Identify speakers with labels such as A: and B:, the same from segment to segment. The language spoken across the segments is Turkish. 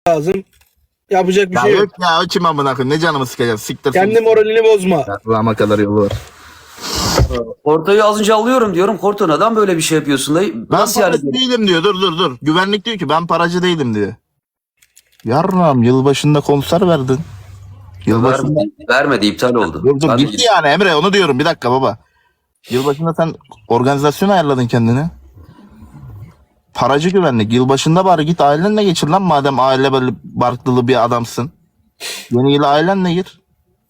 A: lazım. Yapacak bir
B: Ya
A: şey yok.
B: yok ya, o kim amına koyayım, ne canımı sıkacağız, siktir.
A: Kendi moralini bozma.
B: Rama kadar yolu var.
C: Korto'yu az önce alıyorum diyorum. Korto neden böyle bir şey yapıyorsun dayı?
B: Ben
C: Nasıl yani?
B: paracı değilim diyor, dur. Güvenlik diyor ki ben paracı değilim diyor. Yarram, yılbaşında konser verdin. Yılbaşında...
C: Vermedi, iptal oldu.
B: Dur
C: Ben de
B: gitti yani Emre, onu diyorum, bir dakika baba. Yılbaşında sen organizasyon ayarladın kendine. Paracı güvenlik. Yılbaşında bari git ailenle geçir lan, madem aile böyle barklılı bir adamsın. Yeni yıla ailenle gir.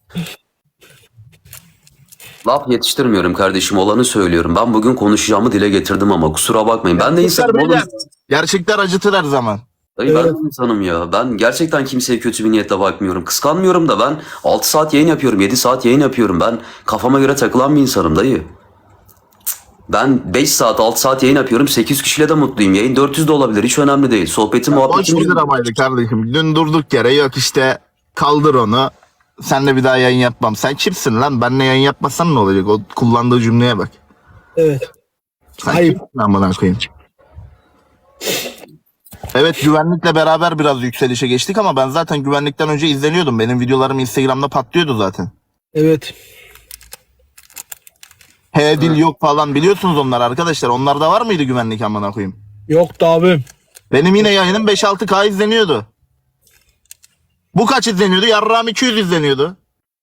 C: Laf yetiştirmiyorum kardeşim, olanı söylüyorum. Ben bugün konuşacağımı dile getirdim ama kusura bakmayın. Ben de insanım oğlum.
B: Gerçekler acıtır her zaman.
C: Dayı ben de insanım ya. Ben gerçekten kimseye kötü bir niyetle bakmıyorum. Kıskanmıyorum da ben 6 saat yayın yapıyorum, 7 saat yayın yapıyorum. Ben kafama göre takılan bir insanım dayı. Ben 5 saat 6 saat yayın yapıyorum. 8 kişiyle de mutluyum. Yayın 400 de olabilir. Hiç önemli değil. Sohbetim
B: Boş
C: muhabbetim.
B: bir dramaydı kardeşim. Dün durduk yere yok işte, kaldır onu. Senle bir daha yayın yapmam. Sen kimsin lan? Benle yayın yapmasan ne olacak? O kullandığı cümleye bak.
A: Evet.
B: Sen
A: Ayıp.
B: kimsin lan bana koyayım? Evet, güvenlikle beraber biraz yükselişe geçtik ama ben zaten güvenlikten önce izleniyordum. Benim videolarım Instagram'da patlıyordu zaten.
A: Evet.
B: He dil yok falan, biliyorsunuz onlar arkadaşlar. Onlarda var mıydı güvenlik amına koyayım?
A: Yoktu abim.
B: Benim yine yayınım 5-6K izleniyordu. Bu kaç izleniyordu? Yarrağım 200 izleniyordu.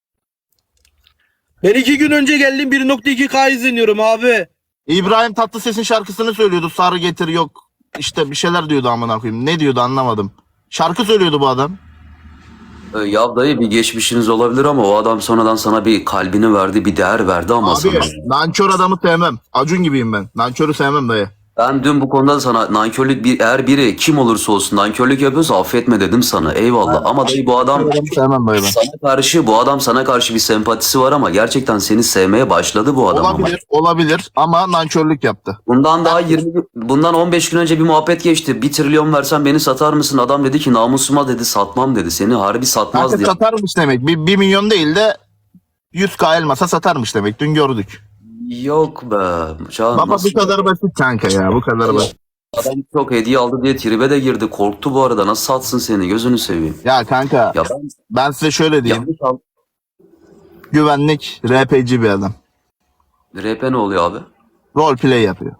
A: Ben 2 gün önce geldim 1.2K izleniyorum abi.
B: İbrahim Tatlıses'in şarkısını söylüyordu. Sarı getir yok. İşte bir şeyler diyordu amına koyayım. Ne diyordu anlamadım. Şarkı söylüyordu bu adam.
C: Ya dayı bir geçmişiniz olabilir ama o adam sonradan sana bir kalbini verdi, bir değer verdi ama
B: Abi
C: sana.
B: nankör adamı sevmem. Acun gibiyim ben. Nankörü sevmem dayı.
C: Ben dün bu konuda sana nankörlük eğer biri kim olursa olsun nankörlük yapıyorsa affetme dedim sana. Eyvallah. Ama dayı bu adam
B: Adamı sevmem dayı ben.
C: sana karşı bir sempatisi var ama gerçekten seni sevmeye başladı bu adam ama.
B: Olabilir ama nankörlük yaptı.
C: Bundan 15 gün önce bir muhabbet geçti. 1 trilyon versen beni satar mısın? Adam dedi ki namusuma dedi satmam dedi. Seni harbi satmaz
B: Kanka
C: diye.
B: satarmış demek. 1 milyon değil de 100K elmasa satarmış demek. Dün gördük.
C: Yok be. Can,
B: Baba
C: nasıl?
B: bu kadar basit kanka ya. Bu kadar basit.
C: Adam çok hediye aldı diye tribe de girdi. Korktu bu arada. Nasıl satsın seni? Gözünü seveyim.
B: Ya kanka
C: Ya
B: ben size şöyle diyeyim.
C: yanlış al.
B: Güvenlik RP'ci bir adam.
C: RP ne oluyor abi?
B: Roleplay yapıyor.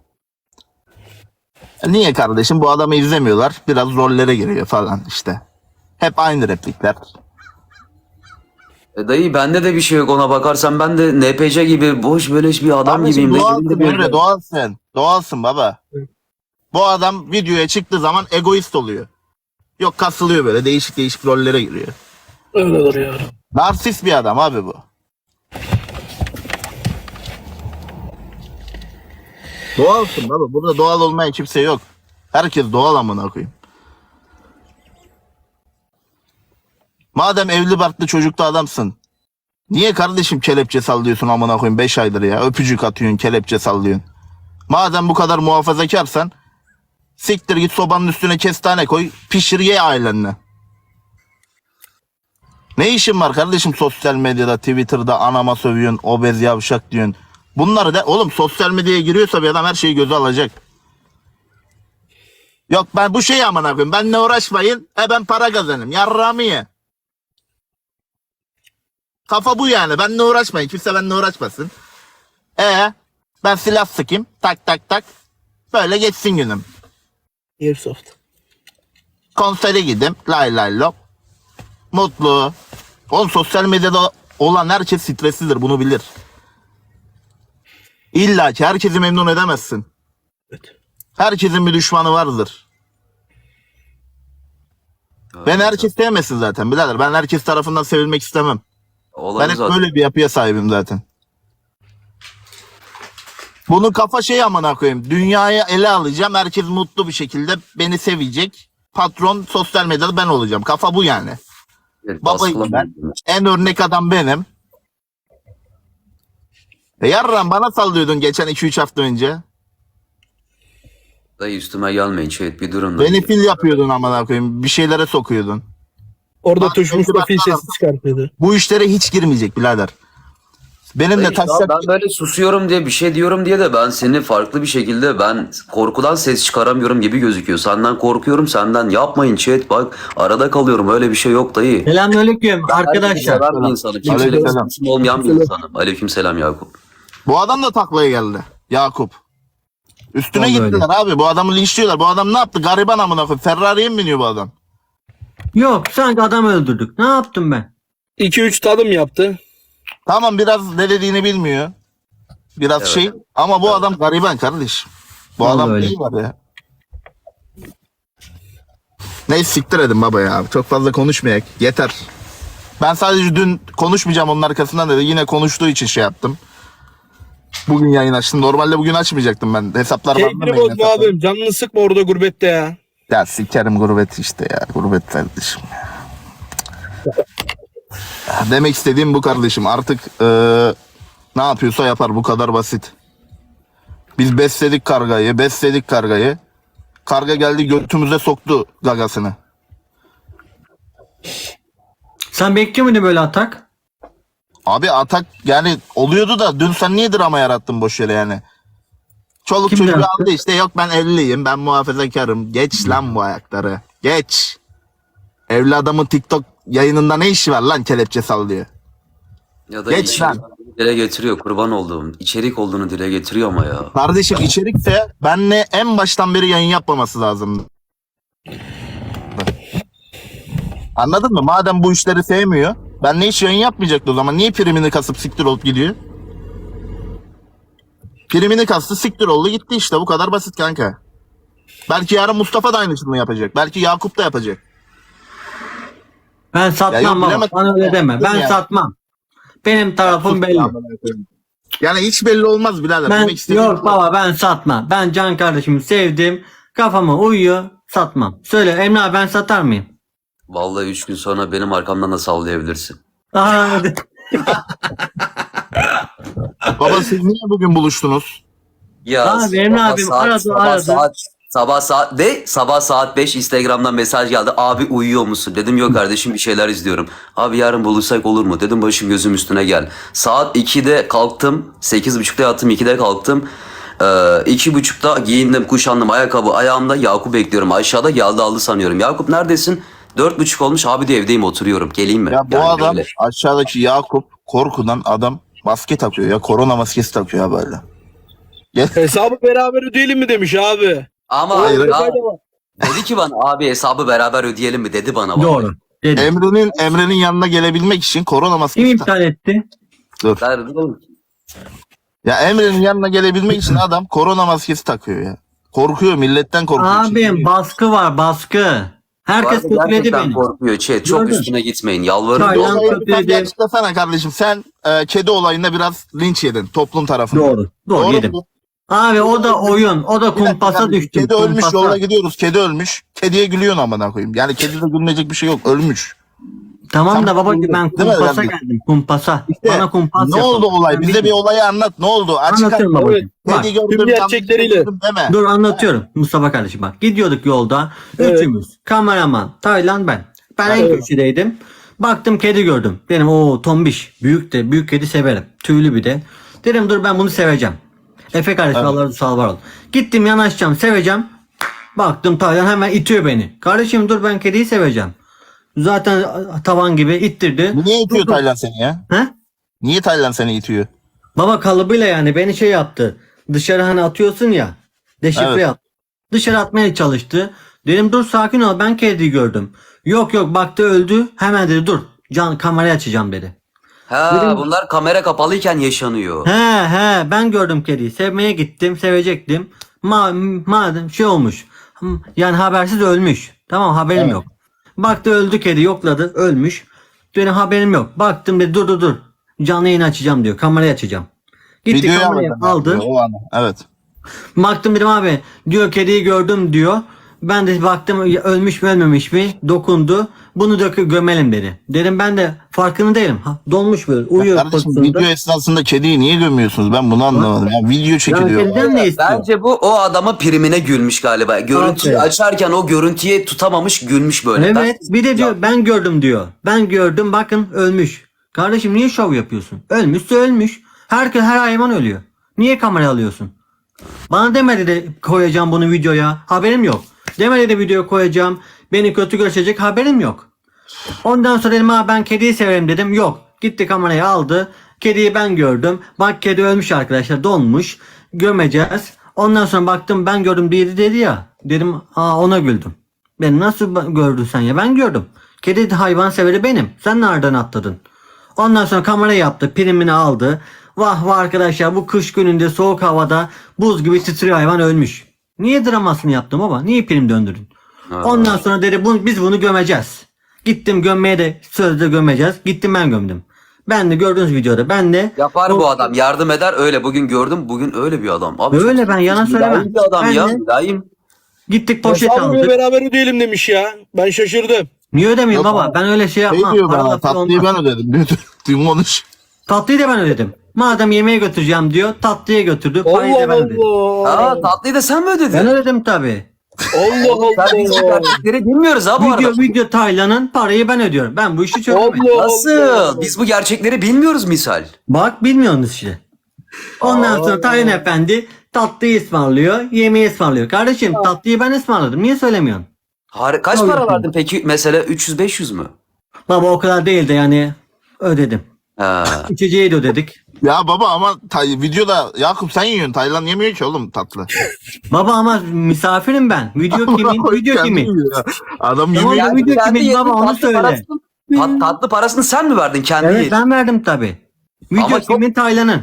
B: Niye kardeşim? Bu adamı izlemiyorlar. Biraz rollere giriyor falan işte. Hep aynı replikler.
C: Dayı bende de bir şey yok ona bakarsan. Ben de NPC gibi boş beleş bir adam
B: Kardeşim
C: gibiyim.
B: doğalsın Emre, doğalsın. Doğalsın baba. Bu adam videoya çıktığı zaman egoist oluyor. Yok kasılıyor böyle, değişik değişik rollere giriyor.
A: Öyledir ya.
B: Narsist bir adam abi bu. Doğalsın baba. Burada doğal olmayan kimse yok. Herkes doğal amına koyayım. Madem evli barklı çocuklu adamsın. Niye kardeşim kelepçe sallıyorsun amına koyayım 5 aydır ya. Öpücük atıyorsun, kelepçe sallıyorsun. Madem bu kadar muhafazakarsan siktir git sobanın üstüne kestane koy, pişir ye ailenle. Ne işin var kardeşim sosyal medyada, Twitter'da anama sövüyorsun, obez yavşak diyorsun. Bunları da oğlum, sosyal medyaya giriyorsa bir adam her şeyi göze alacak. Yok ben bu şeyi amına koyayım, benle uğraşmayın, ben para kazanayım, yarrağımı ye. Kafa bu yani, benle uğraşmayın, kimse benle uğraşmasın. Ben silah sıkayım, tak tak tak, böyle geçsin günüm.
A: Airsoft.
B: Konsere gideyim, lay lay lop. Mutlu. Oğlum sosyal medyada olan herkes streslidir, bunu bilir. İlla ki herkesi memnun edemezsin.
A: Evet.
B: Herkesin bir düşmanı vardır. Ben herkes sevmesin zaten birader. Ben herkes tarafından sevilmek istemem. Ben hep
C: zaten.
B: böyle bir yapıya sahibim zaten. Bunun kafa şey amına koyayım. Dünyayı ele alacağım. Herkes mutlu bir şekilde beni sevecek. Patron sosyal medyada ben olacağım. Kafa bu yani.
C: Evet,
B: Babayım
C: baskılamayın.
B: ben. En örnek adam benim. Yarram bana sallıyordun geçen 2-3 hafta önce.
C: Dayı üstüme gelmeyin chat, bir durun.
B: Beni fil yapıyordun amına koyayım. Bir şeylere sokuyordun.
A: Orada
B: Bak,
A: tuş Mustafa
B: bak,
A: sesi çıkartıyordu.
B: Bu işlere hiç girmeyecek birader. Benim de
C: Dayı, şu an
B: taşacak.
C: ben böyle susuyorum diye bir şey diyorum diye de ben seni farklı bir şekilde ben korkudan ses çıkaramıyorum gibi gözüküyor. Senden korkuyorum, senden yapmayın chat, bak arada kalıyorum, öyle bir şey yok dayı.
D: Selamünaleyküm arkadaşlar.
C: Seven bir insanım. Kimseyle
B: Aleykümselam.
C: sıkıntım olmayan bir insanım. Aleykümselam Yakup.
B: Bu adam da taklaya geldi. Yakup. Üstüne
D: Vallahi
B: gittiler abi. Bu adamı linçliyorlar. Bu adam ne yaptı? Gariban amına koyayım. Ferrari'ye mi biniyor bu adam?
D: Yok sanki adam öldürdük. Ne yaptım ben?
A: 2-3 tadım yaptı.
B: Tamam, biraz ne dediğini bilmiyor. Biraz
C: Evet.
B: şey. Ama bu adam gariban kardeşim. Bu
D: Vallahi
B: adam
D: öyle.
B: neyi var ya? Neyse siktir edin baba ya. Çok fazla konuşmayak. Yeter. Ben sadece dün konuşmayacağım onun arkasından dedi. Yine konuştuğu için şey yaptım. Bugün yayın açtım. Normalde bugün açmayacaktım ben. Hesaplar
A: Keyfini bozma abim. Canını sıkma orada gurbette ya.
B: Ya sikerim gurbet işte ya. Gurbet kardeşim. Demek istediğim bu kardeşim. Artık ne yapıyorsa yapar. Bu kadar basit. Biz besledik kargayı. Karga geldi götümüze soktu gagasını.
D: Sen bekliyor muydun böyle atak?
B: Abi atak yani oluyordu da dün sen niye drama yarattın boş yere yani? Çoluk
D: Kim
B: çocuğu
D: yarattı?
B: aldı işte, yok ben evliyim, ben muhafazakarım. Geç lan bu ayakları. Geç. Evli adamın TikTok yayınında ne işi var lan, kelepçe sallıyor.
C: Ya da
B: Geç lan.
C: dile getiriyor, kurban olduğum. İçerik olduğunu dile getiriyor ama ya.
B: Kardeşim içerikse benle en baştan beri yayın yapmaması lazım. Anladın mı? Madem bu işleri sevmiyor, benle hiç yayın yapmayacaktı o zaman. Niye primini kasıp siktir olup gidiyor? Primini kastı, siktir oldu gitti işte, bu kadar basit kanka. Belki yarın Mustafa da aynısını yapacak. Belki Yakup da yapacak.
D: Ben
B: Ya yok,
D: satmam baba.
B: bilemezsin
D: Bana öyle
B: ya.
D: deme. Ben
B: Ya.
D: satmam. Benim tarafım belli.
B: Yani hiç belli olmaz birader.
D: Ben
B: Demek istediğim
D: yok
B: bu.
D: baba ben satmam. Ben can kardeşimi sevdim. Kafama uyuyor. Satmam. Söyle Emre abi ben satar mıyım?
C: Vallahi 3 gün sonra benim arkamdan da sallayabilirsin.
D: Aha, hadi.
B: Baba siz niye bugün buluştunuz?
C: Ya
D: Abi, Emre abim aradı.
C: Sabah saat 5 Instagram'dan mesaj geldi. Abi uyuyor musun? Dedim yok kardeşim, bir şeyler izliyorum. Abi yarın buluşsak olur mu? Dedim başım gözüm üstüne gel. Saat 2'de kalktım. 8.30'da yattım, 2'de kalktım. 2.30'da giyindim, kuşandım, ayakkabı ayağımda. Yakup bekliyorum aşağıda, geldi aldı sanıyorum. Yakup neredesin? 4.30 olmuş abi, de evdeyim oturuyorum. Geleyim mi?
B: Ya bu
C: Yani
B: adam
C: böyle.
B: aşağıdaki Yakup korkudan adam maske takıyor ya. Korona maskesi takıyor ya böyle.
A: Hesabı beraber ödeyelim mi demiş abi.
C: Ama
B: Hayır,
C: ya,
A: hayır.
C: dedi ki bana abi hesabı beraber ödeyelim mi dedi bana.
D: Doğru. Dedi.
B: Emre'nin yanına gelebilmek için korona
D: Kim
B: maskesi
D: iptal etti?
B: Dur.
C: Vallahi.
B: Ya Emre'nin yanına gelebilmek için adam korona maskesi takıyor ya. Korkuyor, milletten korkuyor.
D: Abim
B: çekiniyor.
D: baskı var baskı. Herkes
C: Vallahi
D: kötüledi
C: gerçekten
D: beni.
C: korkuyor chat. Çok
D: Gördün.
C: üstüne gitmeyin. Yalvarırım.
D: Hayır,
B: Bu olayı
D: kötü
B: sen
D: dedi.
B: açıklasana kardeşim. Sen kedi olayında biraz linç yedin toplum tarafından.
D: Doğru yedim.
B: mu?
D: Abi o da oyun. O da
B: Bir dakika
D: kumpasa
B: kardeşim,
D: düştüm.
B: Kedi ölmüş,
D: kumpasa.
B: yolda gidiyoruz. Kedi ölmüş. Kediye gülüyorsun amına koyayım. Yani kedide gülmeyecek bir şey yok. Ölmüş.
D: Tamam da
B: Sen-
D: babacığım ben
B: Değil mi?
D: kumpasa
B: Yani-
D: geldim. Kumpasa.
B: İşte,
D: Bana kumpas
B: ne
D: yapalım.
B: oldu olay?
D: Ben
B: Bize bir
D: bilmiyorum.
B: olayı anlat. Ne oldu? Açık
D: Anlatıyorum
B: anlat.
D: babacığım. Bak,
B: Kedi gördüm.
A: tüm
B: yanlış
A: gerçekleriyle.
B: gördüm deme.
D: dur anlatıyorum Mustafa kardeşim bak. Gidiyorduk yolda.
A: Evet.
D: Üçümüz. Kameraman. Taylan ben. Ben en
A: Evet.
D: köşedeydim. Baktım kedi gördüm. Dedim o tombiş. Büyük de büyük kedi severim. Tüylü bir de. Dedim dur ben bunu seveceğim. Efe kardeşim
B: Evet.
D: Allah'ın sağ var ol. Gittim yanaşacağım seveceğim. Baktım Taylan hemen itiyor beni. Kardeşim dur ben kediyi seveceğim. Zaten tavan gibi ittirdi.
B: Niye itiyor
D: Dur.
B: Taylan seni ya?
D: He?
B: Niye Taylan seni itiyor?
D: Baba kalıbıyla yani beni şey yaptı. Dışarı hani atıyorsun ya. Deşifre
B: Evet.
D: yaptı. Dışarı atmaya çalıştı. Dedim dur sakin ol ben kediyi gördüm. Yok baktı öldü. Hemen dedi dur can kamerayı açacağım dedi.
C: Ha, bunlar kamera kapalıyken yaşanıyor.
D: He ben gördüm kediyi. Sevmeye gittim sevecektim. Madem şey olmuş. Yani habersiz ölmüş. Tamam haberim
B: Evet.
D: yok. Baktı öldü kedi yokladı ölmüş. Benim haberim yok. Baktım dedi dur. Canlı yayın açacağım diyor. Kamerayı açacağım. Gitti
B: Videoyu
D: kamerayı aldı.
B: O an. Evet.
D: Baktım dedim abi diyor kediyi gördüm diyor. Ben de baktım ölmüş mü ölmemiş mi dokundu. Bunu gömelim dedi. Dedim ben de farkında değilim. Donmuş böyle uyuyor
B: Kardeşim
D: pozisyonda.
B: video esnasında kediyi niye gömüyorsunuz? Ben bunu anlamadım. Ya video
D: Ya
B: çekiliyor.
D: kediden ne istiyor?
C: Bence bu o adama primine gülmüş galiba. Görüntüyü
D: Aferin.
C: açarken o görüntüye tutamamış, gülmüş böyle.
D: Evet bir de diyor ben gördüm diyor. Ben gördüm bakın ölmüş. Kardeşim niye şov yapıyorsun? Ölmüşse ölmüş. Herkes her hayvan ölüyor. Niye kameraya alıyorsun? Bana demedi de koyacağım bunu videoya. Haberim yok. Demedi de videoya koyacağım. Beni kötü gösterecek, haberim yok. Ondan sonra dedim ha ben kediyi severim dedim. Yok. Gitti kamerayı aldı. Kediyi ben gördüm. Bak kedi ölmüş arkadaşlar, donmuş. Gömeceğiz. Ondan sonra baktım ben gördüm dedi ya. Dedim ona güldüm. Ben nasıl gördün sen ya? Ben gördüm. Kedi hayvan severi benim. Sen nereden atladın? Ondan sonra kamera yaptı. Primini aldı. Vah vah arkadaşlar, bu kış gününde soğuk havada buz gibi titriyor, hayvan ölmüş. Niye dramasını yaptım baba? Niye prim döndürdün? Ondan sonra dedi biz bunu gömeceğiz. Gittim gömmeye de sözde gömeceğiz. Gittim ben gömdüm. Ben de gördüğünüz videoda ben de
C: Yapar bu adam. Yardım eder öyle. Bugün gördüm. Bugün öyle bir adam. Abi
D: öyle,
C: çok
D: ben yalan söylemem.
C: mülayim bir adam
D: Ben
C: ya.
D: de-
C: Mülayim.
D: gittik poşet
A: Hesabı
D: aldık.
A: beraber ödeyelim demiş ya. Ben şaşırdım.
D: Niye ödemeyeyim
B: Yok,
D: baba? Ben öyle şey
B: Şey
D: yapmam.
B: diyor
D: Para
B: bana,
D: lafı
B: tatlıyı
D: olmaz.
B: ben ödedim diyor. Dün konuş.
D: Tatlıyı da ben ödedim. Madem yemeğe götüreceğim diyor, tatlıya götürdü. Parayı da
A: Allah
D: ben ödedim.
A: Allah.
C: Tatlıyı da sen mi ödedin?
D: Ben ödedim tabi.
A: Allah
C: Sen bizim
A: Allah.
C: gerçekleri bilmiyoruz ha bu arada.
D: Video Taylan'ın parayı ben ödüyorum. Ben bu işi çözemedim.
A: Allah
C: Nasıl?
A: Allah.
C: Biz bu gerçekleri bilmiyoruz misal.
D: Bak bilmiyorsunuz işte. Ondan sonra Taylan Efendi tatlıyı ısmarlıyor, yemeği ısmarlıyor. Kardeşim tatlıyı ben ısmarladım. Niye söylemiyorsun?
C: Kaç
D: Tabii
C: para
D: ki.
C: verdin peki? Mesela 300-500 mü?
D: Baba o kadar değil de yani ödedim.
C: Ha.
D: İçeceği de ödedik.
B: Ya baba ama videoda Yakup sen yiyorsun. Taylan yemiyor ki oğlum tatlı.
D: Baba ama misafirim ben. Video kimin? Video
B: Kendi
D: kimin?
B: yiyor ya. Adam
D: Tamam,
B: yemiyor.
D: ya video
C: kendi
D: kimin
C: yedin,
D: baba, onu
C: tatlı
D: söyle.
C: tatlı parasını sen mi verdin kendi
D: Evet
C: yedin?
D: ben verdim tabi. Video
C: Ama çok-
D: kimin? Taylan'ın.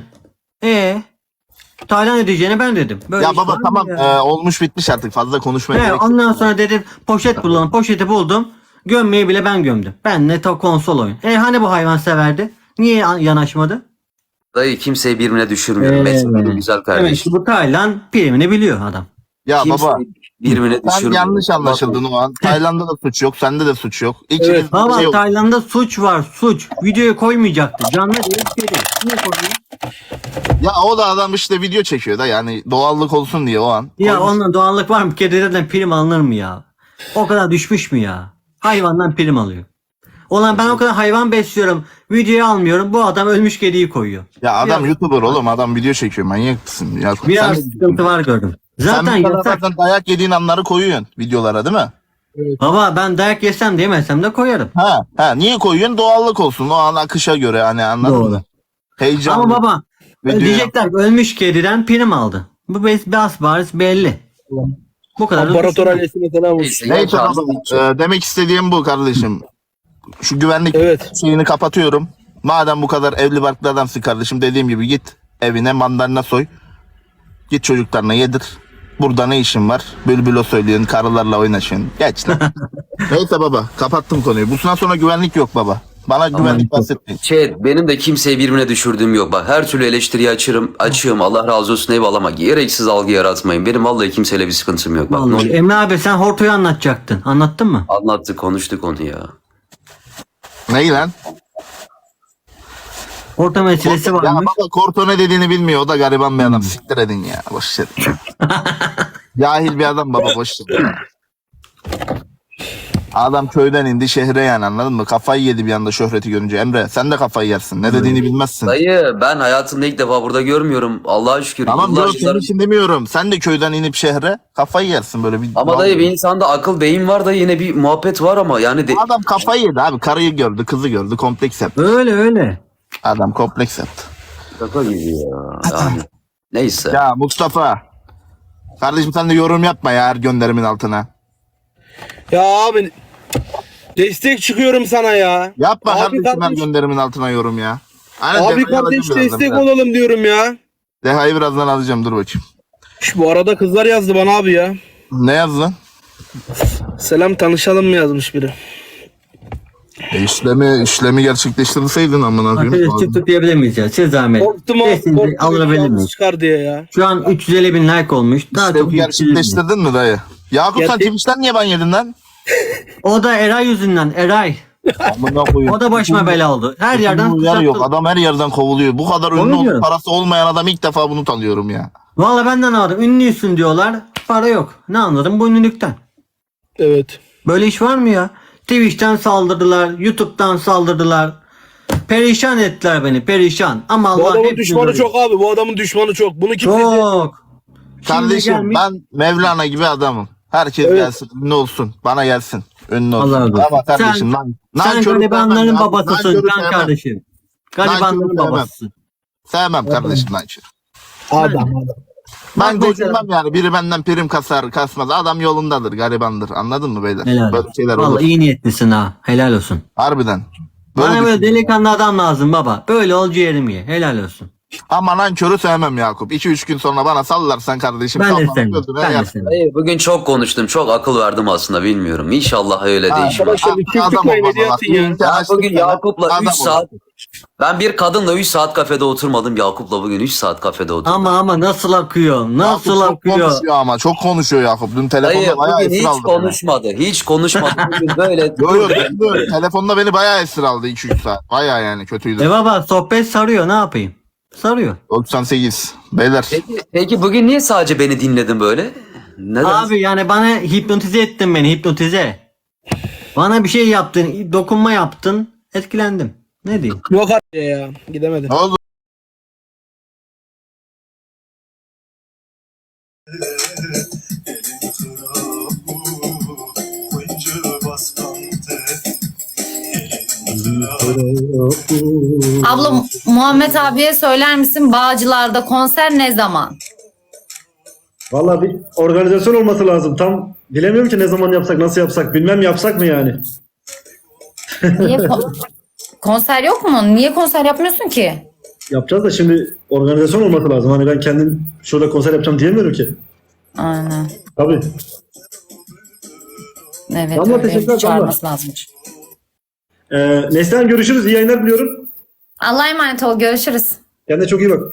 D: Taylan ödeyeceğini ben dedim. Böyle
B: Ya
D: iş
B: baba
D: var mı
B: tamam
D: ya?
B: olmuş bitmiş artık fazla konuşmaya
D: He,
B: gerek yok.
D: ondan sonra dedim poşet bulalım. Poşeti buldum. Gömmeyi bile ben gömdüm. Ben ne konsol oyun. Hani bu hayvan severdi? Niye yanaşmadı?
C: Dayı kimseyi birbirine düşürmüyorum. Mesela güzel
D: Demek
C: kardeşim.
D: ki bu Taylan primini biliyor adam.
B: Ya
C: Kimseyi
B: baba
C: birbirine
B: sen
C: düşürmüyorum.
B: yanlış anlaşıldın o an. Tayland'da da suç yok, sende de suç yok. İkiniz
A: Evet,
B: bir
D: Baba
B: şey yok.
D: Tayland'da suç var, suç. Videoya koymayacaktı. Canlı değil, şey değil. Niye koyuyor?
B: Ya o da adam işte video çekiyor da yani doğallık olsun diye o an.
D: Ya
B: Koymuş.
D: onunla doğallık var mı? Kediden prim alınır mı ya? O kadar düşmüş mü ya? Hayvandan prim alıyor. Ulan ben o kadar hayvan besliyorum. Videoya almıyorum. Bu adam ölmüş kediyi koyuyor.
B: Ya adam
D: Biraz-
B: YouTuber oğlum, adam video çekiyor, manyak mısın? Ya,
D: Biraz
B: sen,
D: sıkıntı var gördüm. Zaten
B: sen bir tane
D: yasak.
B: zaten dayak yediğin anları koyuyorsun videolara değil mi?
D: Baba ben dayak yesem de yemesem de koyarım.
B: Ha niye koyuyorsun? Doğallık olsun. O an akışa göre hani anladın
D: Doğru.
B: mı? Heyecan.
D: Ama baba
B: Video
D: diyecekler ki ölmüş kediden prim aldı. Bu bariz belli. Bu kadar da
A: İmparator
D: düşünme.
A: ailesine selam olsun.
C: Neyse,
B: Neyse
C: yaşansın.
B: baba, demek istediğim bu kardeşim. Şu güvenlik
A: Evet.
B: şeyini kapatıyorum. Madem bu kadar evli barklı adamsın kardeşim, dediğim gibi git evine mandalina soy. Git çocuklarına yedir. Burada ne işin var? Bülbül o söylüyorsun, karılarla oynaşıyorsun. Geç lan. Neyse baba, kapattım konuyu. Bundan sonra güvenlik yok baba. Bana güvenlik bahsetmeyin.
C: Benim de kimseyi birbirine düşürdüğüm yok. Bak her türlü eleştiriyi açığım. Allah razı olsun, eyvallah ama gereksiz algı yaratmayın. Benim vallahi kimseyle bir sıkıntım yok. Bak, ne
D: Vallahi.
C: olur.
D: Emre abi sen Horto'yu anlatacaktın. Anlattın mı?
C: Anlattık, konuştuk onu ya.
B: Ney lan?
D: Horto meselesi
B: Ya
D: varmış.
B: baba Korto ne dediğini bilmiyor. O da gariban bir adam. Siktir edin ya. Boş ver. Cahil bir adam baba, boş ver. Adam köyden indi şehre yani, anladın mı? Kafayı yedi bir anda şöhreti görünce. Emre sen de kafayı yersin. Ne dediğini bilmezsin.
C: Dayı ben hayatımda ilk defa burada görmüyorum. Allah'a şükür.
B: Tamam
C: Yıllar
B: yok, senin
C: yıllar-
B: için demiyorum. Sen de köyden inip şehre kafayı yersin böyle bir.
C: Ama dayı bir insanda akıl beyin var da yine bir muhabbet var ama yani
B: Adam kafayı yedi abi. Karıyı gördü, kızı gördü. Kompleks yaptı.
D: Öyle.
B: Adam kompleks yaptı.
C: şaka gibi ya. Yani. Neyse.
B: Ya Mustafa. Kardeşim sen de yorum yapma ya her gönderimin altına.
A: Ya abi destek çıkıyorum sana ya.
B: Yapma
A: Abi
B: kardeşim her
A: kardeş-
B: gönderimin altına yorum ya. Aynen,
A: Abi
B: Deha'yı
A: kardeş
B: alacağım birazdan,
A: destek
B: biraz.
A: olalım diyorum ya.
B: Deha'yı birazdan alacağım, dur bakayım.
A: Bu arada kızlar yazdı bana abi ya.
B: Ne yazdın?
A: Selam tanışalım mı yazmış biri.
B: İşlemi gerçekleştirseydin amına koyayım.
D: Arkadaşlar tıklayabilir miyiz ya? Siz zahmet.
A: Korktum abi.
D: Sesinizi
A: Korktum.
D: alabilir
A: Yalnız
D: miyiz?
A: çıkar diye ya.
D: Şu an 350 bin like olmuş. Daha çok
B: İşlemi
D: yükselir mi?
B: gerçekleştirdin mi dayı? Yakup sen
A: Gerçek-
B: Twitch'ten niye ban yedin lan?
D: O da Eray yüzünden. Eray.
B: Amına koyayım.
D: O da başıma bela oldu. Her yerden
B: yer yok.
D: kuşattı.
B: Adam her yerden kovuluyor. Bu kadar ünlü
D: Onu
B: olup
D: diyorum.
B: parası olmayan adam ilk defa bunu tanıyorum ya.
D: Valla benden aldım. Ünlüysün diyorlar. Para yok. Ne anladım bu ünlülükten?
A: Evet.
D: Böyle iş var mı ya? Twitch'ten saldırdılar. YouTube'dan saldırdılar. Perişan ettiler beni, perişan. Ama
A: Bu
D: Allah
A: adamın
D: hepsini
A: düşmanı
D: görüyor.
A: çok abi. Bu adamın düşmanı çok. Bunu kim dedi?
D: Çok. Şimdi
B: Kardeşim
D: gelmiş-
B: ben Mevlana gibi adamım. Herkes
A: Evet.
B: gelsin, ünlü olsun. Bana gelsin. Ünlü olsun.
D: Allah razı olsun.
B: Ama kardeşim
D: Sen
B: nankörü
D: garibanların
B: sevmem ya.
D: babasısın
B: Nankörü
D: can
B: sevmem.
D: kardeşim. Garibanların
B: Nankörü sevmem.
D: babasısın.
B: Sevmem kardeşim nankör.
A: Adam.
B: Ben
D: Bak
B: gocunmam yani. Biri benden prim kasar kasmaz. Adam yolundadır, garibandır. Anladın mı beyler?
D: Helal
B: Böyle
D: olsun.
B: şeyler
D: Vallahi
B: olur.
D: iyi niyetlisin ha. Helal olsun.
B: Harbiden.
D: Bana böyle
B: düşünüyorum.
D: delikanlı adam lazım baba. Böyle ol ciğerimi ye. Helal olsun.
B: Ama nankörü sevmem Yakup. 2-3 gün sonra bana sallarsan kardeşim.
D: Ben de
B: kafana
D: sevmem.
B: gözüne
D: Ben de
B: yersin.
D: sevmem.
C: Dayı bugün çok konuştum. Çok akıl verdim aslında bilmiyorum. İnşallah öyle değişmez.
A: Arkadaşlar bir çift
B: Adam
A: tıklayın
B: olmaz
A: hediye
B: Allah.
A: atın ya.
B: İyi ki
C: Ben
B: açtık
C: bugün
B: sana.
C: Yakup'la
B: Adam
C: 3
B: ol.
C: saat ben bir kadınla 3 saat kafede oturmadım. Yakup'la bugün 3 saat kafede oturdum.
D: Ama nasıl akıyor? Nasıl
B: Yakup çok
D: akıyor?
B: konuşuyor ama. Çok konuşuyor Yakup. Dün
C: Dayı
B: telefonda bayağı
C: bugün
B: esir
C: hiç
B: aldı beni.
C: konuşmadı. Hiç konuşmadı. Bugün böyle
B: Yo, telefonda beni bayağı esir aldı 2-3 saat. Bayağı yani kötüydü.
D: E baba sohbet sarıyor, ne yapayım? Sarıyor.
B: 98. Beyler.
C: Peki bugün niye sadece beni dinledin böyle? Neden?
D: Abi yani bana hipnotize ettin beni, hipnotize. Bana bir şey yaptın, dokunma yaptın, etkilendim. Ne diyeyim?
A: Yok abi ya. Gidemedim.
B: Ne oldu?
E: Abla Muhammed abiye söyler misin Bağcılar'da konser ne zaman?
F: Valla bir organizasyon olması lazım. Tam bilemiyorum ki ne zaman yapsak, nasıl yapsak. Bilmem yapsak mı yani?
E: Niye konser yok mu? Niye konser yapmıyorsun ki?
F: Yapacağız da şimdi organizasyon olması lazım. Hani ben kendim şurada konser yapacağım diyemiyorum ki.
E: Aynen.
F: Tabii.
E: Evet
F: Damla,
E: öyle
F: teşekkürler,
E: çağırması lazım.
F: Neslihan görüşürüz. İyi yayınlar diliyorum.
E: Allah'a emanet ol. Görüşürüz.
F: Kendine çok iyi bak.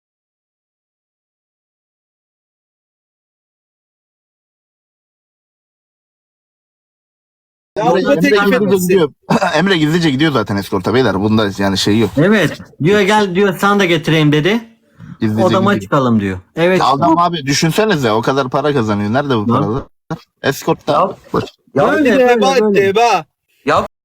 A: Ya
B: Emre,
A: bu da
B: Emre
A: teklif
B: gizlice
A: etmişsin.
B: gidiyor. Emre gizlice gidiyor zaten eskorta beyler. Bunda yani şey yok.
D: Evet, diyor gel diyor sana da getireyim dedi.
B: Gizlice
D: Odama
B: gidiyor.
D: çıkalım diyor. Evet.
B: Adam abi düşünsenize o kadar para kazanıyor. Nerede bu paralar? Eskortta.
C: Ya
D: Böyle,
A: Heba
D: böyle,
A: etti
D: böyle.
A: heba.
C: Ya